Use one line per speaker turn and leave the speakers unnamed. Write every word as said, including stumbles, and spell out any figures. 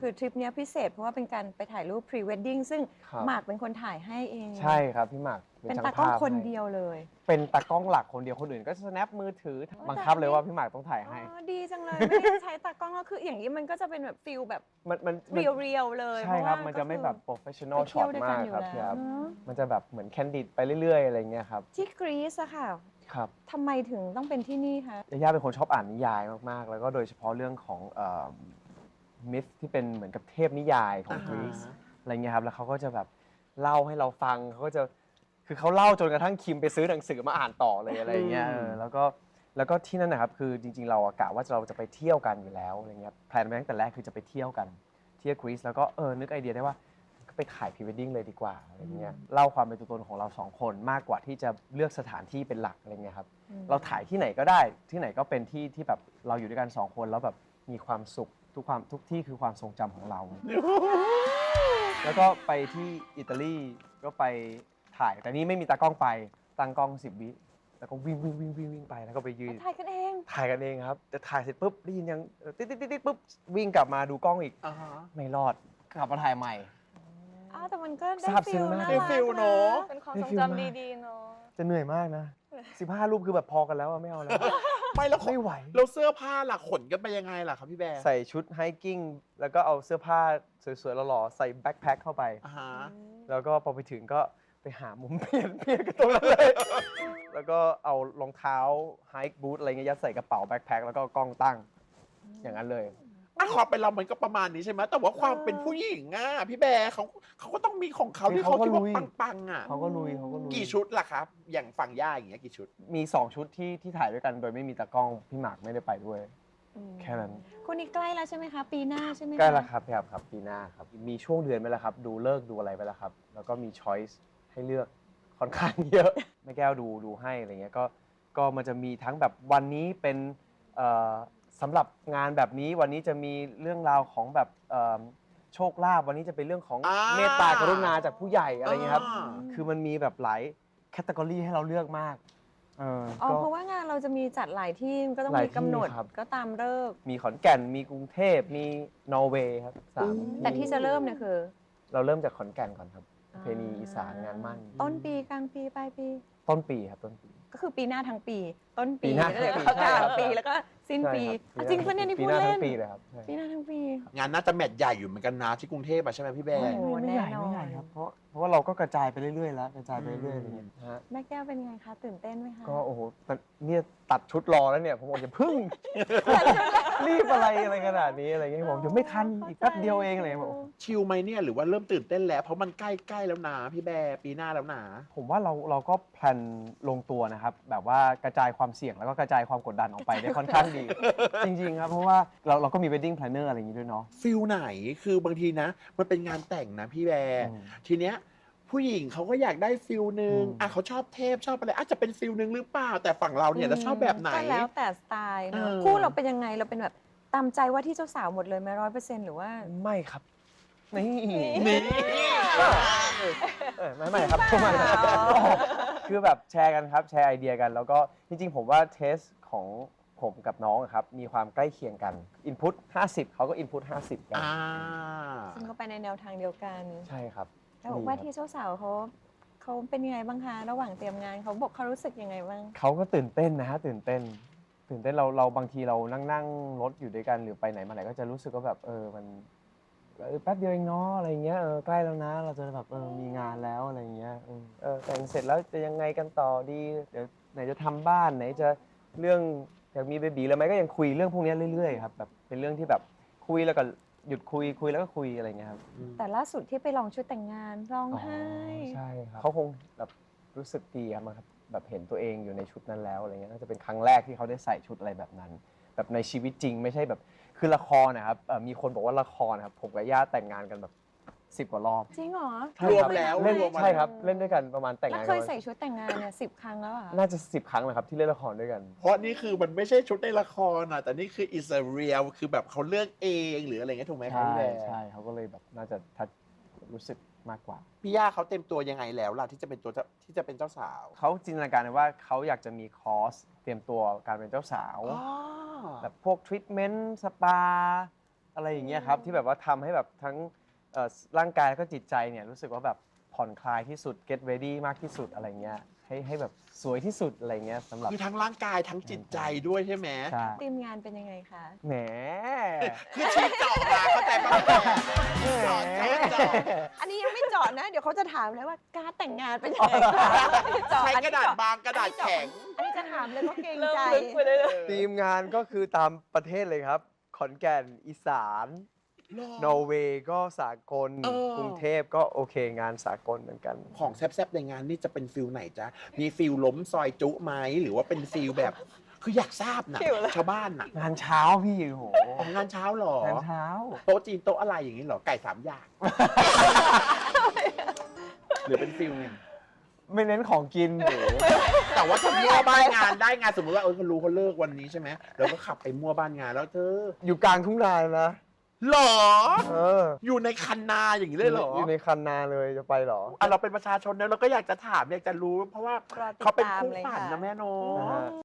คือทริปนี้พิเศษเพราะว่าเป็นการไปถ่ายรูปพรีเวดดิ้งซึ่งหมากเป็นคนถ่ายให้เอง
ใช่ครับพี่หมาก
เป็นตากล้องคนเดียวเลย
เป็นตากล้องหลักคนเดียวคนอื่นก็สแนปมือถือบังคับเลยว่าพี่หมากต้องถ่ายให้
ดีจังเลยไม่ได้ใช้ตากล้องก็คืออย่างนี้มันก็จะเป็นแบบฟิลแบบ
มันมัน
เรียวๆเลย
ใช่ครับมันจะไม่แบบโปรเฟชชั่นอลช็อตมากครับพี่ครับมันจะแบบเหมือนแคนดิดไปเรื่อยๆอะไรเงี้ยครับ
ที่กรีซอะค่ะ
ครับ
ทำไมถึงต้องเป็นที่นี่คะ
ย่าย่าเป็นคนชอบอ่านนิยายมากๆแล้วก็โดยเฉพาะเรื่องของมิธที่เป็นเหมือนกับเทพนิยายของกรีซอะไรเงี้ยครับแล้วเขาก็จะแบบเล่าให้เราฟังเขาก็จะคือเขาเล่าจนกระทั่งคิมไปซื้อหนังสือมาอ่านต่อเลยอะไรเงี้ยแล้วก็แล้วก็ที่นั่นนะครับคือจริงๆเรากะว่าเราจะไปเที่ยวกันอยู่แล้วอะไรเงี้ยแพลนไว้ตั้งแต่แรกคือจะไปเที่ยวกันเที่ยวกรีซแล้วก็เออนึกไอเดียได้ว่าก็ไปถ่ายพรีเวดดิ้งเลยดีกว่าอะไรเงี้ยเล่าความเป็นตัวตนของเราสองคนมากกว่าที่จะเลือกสถานที่เป็นหลักอะไรเงี้ยครับเราถ่ายที่ไหนก็ได้ที่ไหนก็เป็นที่ที่แบบเราอยู่ด้วยกันสองคนแล้วแบบมีความสุขทุกความทุกที่คือความทรงจำของเรา แล้วก็ไปที่อิตาลีก็ไปถ่ายแต่นี่ไม่มีตากล้องไปตั้งกล้องสิบวิแล้วก็วิ่งวิ่งวิ่งวิ่งวิ่งไปแล้วก็ไปยืน
ถ่ายกันเอง
ถ่ายกันเองครับแต่ถ่ายเสร็จปุ๊บได้ยินยังติ๊ดติ๊ดติ๊ดปุ๊บวิ่งกลับมาดูกล้องอีกไม่รอดกลับมาถ่ายใหม่
อ้าวแต่มันก็ได้ฟิลน่า
รัก
รัก
ฟิลเนาะ
เป็นความทรงจำดีๆเนาะ
จะเหนื่อยมากนะสิบห้ารูปคือแบบพอกันแล้วไม่เอาแล้ว
ไม่แล้ว
ไม่ไหว
แล้วเสื้อผ้าล่ะขนกันไปยังไงล่ะครับพี่แบร์
ใส่ชุดไฮกิ้งแล้วก็เอาเสื้อผ้าสวยๆหล่อๆใส่แบ็คแพ็คเข้าไปแล้วก็พอไปถึงก็ไปหามุมเปลี่ยนเปลี่ยนกันตรงนั้นเลยแล้วก็เอารองเท้าไฮค์บูทอะไรเงี้ยยัดใส่กระเป๋าแบ็คแพ็คแล้วก็กล้องตั้งอย่างนั้นเลย
อ่ะขอเป็นเรามันก็ประมาณนี้ใช่ไหมแต่ว่าความเป็นผู้หญิงอ่ะพี่แบร์เขาเขาก็ต้องมีของเขาที่เขาคิดว่าปังๆอ่ะ
เขาก็ลุยเขาก็ลุย
กี่ชุดล่ะครับอย่างฝั่งย่าอย่างเงี้ยกี่ชุด
มีสองชุดที่ที่ถ่ายด้วยกันโดยไม่มีตากล้องพี่หมากไม่ได้ไปด้วยแค่นั้น
คุณนี่ใกล้แล้วใช่ไหมคะปีหน้าใช่ไหม
ใกล้แล้วครับครับครับปีหน้าครับมีช่วงเดือนไปแล้วครับดูเลิกดูอะไรไปแล้วครับแล้วก็มีช้อยส์ให้เลือกค่อนข้างเยอะแม่แก้วดูดูให้อะไรเงี้ยก็ก็มันจะมีทั้งแบบวันนี้เป็นสำหรับงานแบบนี้วันนี้จะมีเรื่องราวของแบบโชคลาภวันนี้จะเป็นเรื่องของเมตตากรุณาจากผู้ใหญ่อะไรเงี้ยครับคือมันมีแบบหลายแคตตากรีให้เราเลือกมาก
อ๋อเพราะว่างานเราจะมีจัดหลายที่ก็ต้องมีกำหนดก็ตามเลิก
มีขอนแก่นมีกรุงเทพมีนอร์เวย์ครับสาม
แต่ที่จะเริ่มเนี่ยคือ
เราเริ่มจากขอนแก่นก่อนครับเพณีอีสานงานมั่น
ต้นปีกลางปีปลายปี
ต้นปีครับต้นปี
ก็คือปีหน้าทั้งปีต้นปี
ปีหน้าทั้งปี
กลางปีแล้วก็สิ้นปีจริงปะเนี่ยนี่พูดเล่น
ปีเลยครับ
ปีหน้าทั้งปี
งานน่าจะแมทใหญ่อยู่เหมือนกันนะที่กรุงเทพใช่ไหมพี่แบร์
ไม่ใหญ่ไม่ใหญ่ครับเพราะเพราะว่าเราก็กระจายไปเรื่อยๆแล้วกระจายไปเรื่อยๆอย่างเงี้ยฮะ
แม่แก้วเป็นไงคะตื่นเต้นไหมคะ
ก็โอ้โหเนี่ยตัดชุดรอแล้วเนี่ยผมบอกอย่าพึ่งรีบอะไรอะไรขนาดนี้อะไรเงี้ยผมยังไม่ทันอีกแป๊บเดียวเองอะไรบอก
ชิลไหมเนี่ยหรือว่าเริ่มตื่นเต้นแล้วเพราะมันใกล้ๆแล้วนะพี่แบร์ปีหน้าแล้วนะ
ผมว่าเราเราก็แพลนลงตัวนะครับแบบว่ากระจายความเสี่ยงแล้วก็กระจายความกดดันออกไปได้ค่อนข้างดี จริงๆครับเพราะว่าเราเราก็มี wedding planner อะไรอย่างนี้ด้วยเนาะ
ฟิลไหนคือบางทีนะมันเป็นงานแต่งนะพี่แบร์ทีเนี้ยผู้หญิงเขาก็อยากได้ฟิลนึงอ่ะเขาชอบเทพชอบอะไรอาจจะเป็นฟิลนึงหรือเปล่าแต่ฝั่งเราเนี่ยเราชอบแบบไหน
ก็แล้วแต่สไตล์เนอะคู่เราเป็นยังไงเราเป็นแบบตามใจว่าที่เจ้าสาวหมดเลยไหมร้อยเปอร์เซ็นต์หรือว่า
ไม่ครับนี่
นี่
ไม่ไม่ครับไม่คือแบบแชร์กันครับแชร์ไอเดียกันแล้วก็จริงๆผมว่าเทสของผมกับน้องครับมีความใกล้เคียงกัน Input ห้าสิบเขาก็ Input ห้าสิบกัน
ซึ่งก็ไปในแนวทางเดียวกัน
ใช่ครับ
แล้วว่าที่เจ้าสาวเขาเขาเป็นยังไงบ้างคะระหว่างเตรียมงานเขาบอกเขารู้สึกยังไงบ้าง
เขาก็ตื่นเต้นนะฮะตื่นเต้นตื่นเต้นเราเราบางทีเรานั่งนั่งรถอยู่ด้วยกันหรือไปไหนมาไหนก็จะรู้สึกว่าแบบเออมันแป๊บเดียวเองเนาะอะไรเงี้ยเออใกล้แล้วนะเราจะแบบเออมีงานแล้วอะไรเงี้ยเออแต่งเสร็จแล้วจะยังไงกันต่อดีเดี๋ยวไหนจะทำบ้านไหนจะเรื่องอยากมีเบบีแล้วไหมก็ยังคุยเรื่องพวกนี้เรื่อยๆครับแบบเป็นเรื่องที่แบบคุยแล้วก็หยุดคุยคุยแล้วก็คุยอะไรเงี้ยครับ
แต่ล่าสุดที่ไปลองชุดแต่งงานร้องไห้
ใช่ครับเขาคงแบบรู้สึกดีครับแบบเห็นตัวเองอยู่ในชุดนั้นแล้วอะไรเงี้ยน่าจะเป็นครั้งแรกที่เขาได้ใส่ชุดอะไรแบบนั้นแบบในชีวิตจริงไม่ใช่แบบคือละครนะครับมีคนบอกว่าละครนะครับผมกับย่าแต่งงานกันแบบสิบกว่ารอบ
จริงเหรอ
รวมแล้ว
เล่นใช่ครับเล่นด้วยกันประมาณแต่งงาน
เคยใส่ชุดแต่งงานเนี่ยสิบครั้งแล้วอ่ะ
น่าจะสิบครั้งเลยครับที่เล่นละครด้วยกัน
เพราะนี่คือมันไม่ใช่ชุดในละครนะแต่นี่คือ is a real คือแบบเขาเลือกเองหรืออะไรเงี้ยถูกไหมครับ
ใช่ใช่เขาก็เลยแบบน่าจะทัดรู้สึกมากกว่า
พี่ย่าเขาเต็มตัวยังไงแล้วล่ะที่จะเป็นตัวที่จะเป็นเจ้าสาว
เขาจินตนาการว่าเขาอยากจะมีคอร์สเตรียมตัวการเป็นเจ้าสาวแบบพวกทรีทเมนต์สปาอะไรอย่างเงี้ยครับที่แบบว่าทำให้แบบทั้งเอ่อร่างกายแล้วก็จิตใจเนี่ยรู้สึกว่าแบบผ่อนคลายที่สุด get ready มากที่สุดอะไรเงี้ยให้ให้แบบสวยที่สุดอะไรเงี้ยสำหรับ
คือทั้งร่างกายทั้งจิตใจด้วยใช่ไหม
ใช่
ทีมงานเป็นยังไงคะ
แหม
คือชี้เจาะมาเข้าใจป่ะแม่เจาะเจาะเจาะ
อันนี้ยังไม่เจาะนะ เดี๋ยวเขาจะถามเลยว่าการดแต่งงานเป็นยังไงคะเจาะ
ใช้
อัน
ก
นี้
ระดาษ
เจาะ
บางกระดาษแข็ง
อันนี้จะถามเลยว่าเกรง
เริ่ม
ใจ
ลึกไปเลย
ทีมงานก็คือตามประเทศเลยครับ ขอนแก่นอีสานนอร์เวย์ก็สากล
เออ
กรุงเทพก็โอเคงานสากลเหมือนกัน
ของแซ่บๆในงานนี่จะเป็นฟิลไหนจ๊ะ มีฟิลล้มซอยจุไหมหรือว่าเป็นฟิลแบบ คืออยากทราบนะ
หิวเลย
ชาวบ้านน่ะ
งานเช้าพี่โอ้โห
ของงานเช้าเหรอ
งานเช้า
โต๊ะจีนโต๊ะอะไรอย่างนี้เหรอ ไก่สามอย่าง หรือเป็นฟิลไง
ไม่เน้นของกินหรือ
แต่ว่าถ้ามั่วบ้านงานได้งานสมมติว่าเออเขารู้เขาเลิกวันนี้ใช่ไหมเราก็ขับไปมั่วบ้านงานแล้วเธอ
อยู่กลางทุ่งนาเลยนะ
หรอ
เออ
อยู่ในคันนาอย่างนี้เลยเหรอ
อยู่ในคันนาเลยจะไปเหรอ
อ่ะเราเป็นประชาชนนะเราก็อยากจะถามอยากจะรู้ เพราะว่า
รอติด
เขาเป็น
ตาม
คู่
เลย
ฝัน
ค่ะ
นะแม่เนอ
นะ
ะ
ฮะ